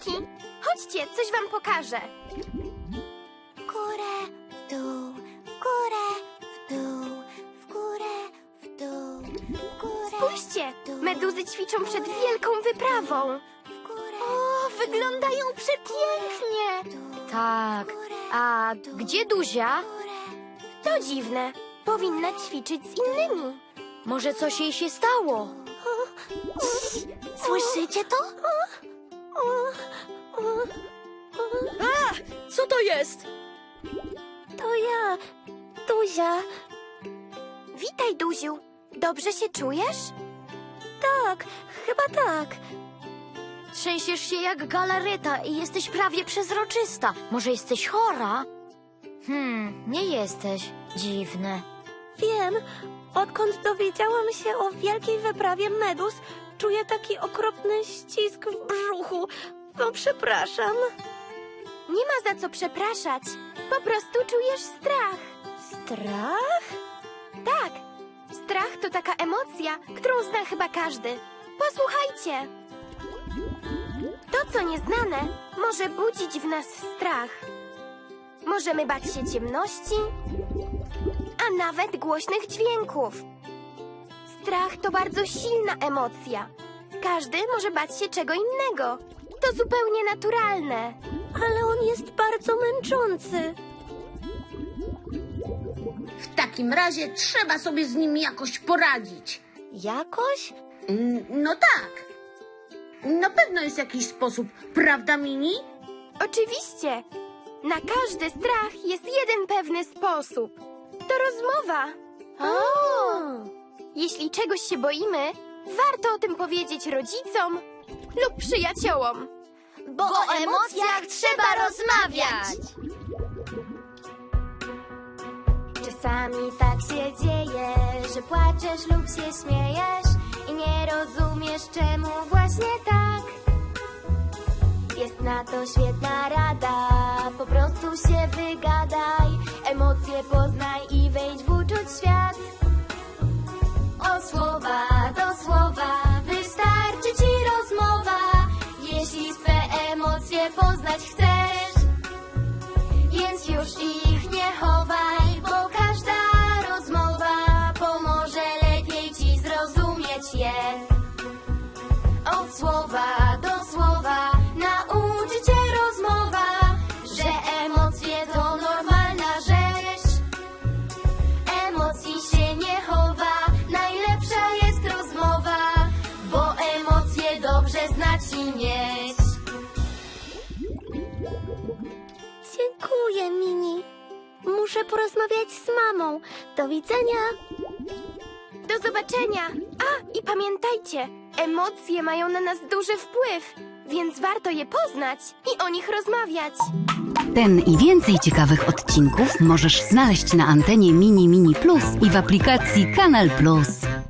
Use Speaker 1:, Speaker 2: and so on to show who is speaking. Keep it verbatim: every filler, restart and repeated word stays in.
Speaker 1: dzieciaki. Chodźcie, coś wam pokażę.
Speaker 2: W górę, w dół, w górę, w dół, w górę, w dół, w górę.
Speaker 1: Spójrzcie,
Speaker 2: w dół,
Speaker 1: meduzy ćwiczą przed wielką wyprawą.
Speaker 2: w górę,
Speaker 1: O, wyglądają przepięknie.
Speaker 2: w dół,
Speaker 3: Tak.
Speaker 2: w górę,
Speaker 3: A
Speaker 2: w dół,
Speaker 3: gdzie Duzia?
Speaker 2: w górę.
Speaker 1: To dziwne. Powinna ćwiczyć z innymi.
Speaker 3: Może coś jej się stało?
Speaker 2: Słyszycie to?
Speaker 3: Co to jest?
Speaker 2: To ja, Duzia.
Speaker 1: Witaj, Duziu. Dobrze się czujesz?
Speaker 2: Tak, chyba tak.
Speaker 3: Trzęsiesz się jak galaryta i jesteś prawie przezroczysta. Może jesteś chora? Hmm, nie jesteś. Dziwne.
Speaker 2: Wiem, odkąd dowiedziałam się o wielkiej wyprawie meduz, czuję taki okropny ścisk w brzuchu. No przepraszam.
Speaker 1: Nie ma za co przepraszać. Po prostu czujesz strach.
Speaker 2: Strach?
Speaker 1: Tak. Strach to taka emocja, którą zna chyba każdy. Posłuchajcie. To, co nieznane, może budzić w nas strach. Możemy bać się ciemności, a nawet głośnych dźwięków. Strach to bardzo silna emocja. Każdy może bać się czego innego. To zupełnie naturalne.
Speaker 2: Ale on jest bardzo męczący.
Speaker 4: W takim razie trzeba sobie z nim jakoś poradzić.
Speaker 2: Jakoś?
Speaker 4: Mm, No tak. Na pewno jest jakiś sposób, prawda, Mini?
Speaker 1: Oczywiście. Na każdy strach jest jeden pewny sposób. To rozmowa. Jeśli czegoś się boimy, warto o tym powiedzieć rodzicom lub przyjaciołom.
Speaker 2: Bo, o emocjach trzeba rozmawiać.
Speaker 1: Czasami tak się dzieje, że płaczesz lub się śmiejesz i nie rozumiesz, czemu właśnie tak. Jest na to świetna rada, po prostu się wygadaj, emocje poznaj i wejdź w uczuć świat. Od słowa do słowa wystarczy ci rozmowa, jeśli swe emocje poznać chcesz, więc już ich nie chowaj, bo każda rozmowa pomoże lepiej ci zrozumieć je. Od słowa do słowa nauczy cię rozmowa, że emocje to normalna rzecz. Emocji się nie chowa, najlepsza jest rozmowa, bo emocje dobrze znać i mieć.
Speaker 2: Dziękuję, Mini. Muszę porozmawiać z mamą. Do widzenia.
Speaker 1: Do zobaczenia! A, i pamiętajcie, emocje mają na nas duży wpływ, więc warto je poznać i o nich rozmawiać.
Speaker 5: Ten i więcej ciekawych odcinków możesz znaleźć na antenie Mini Mini Plus i w aplikacji Kanal Plus.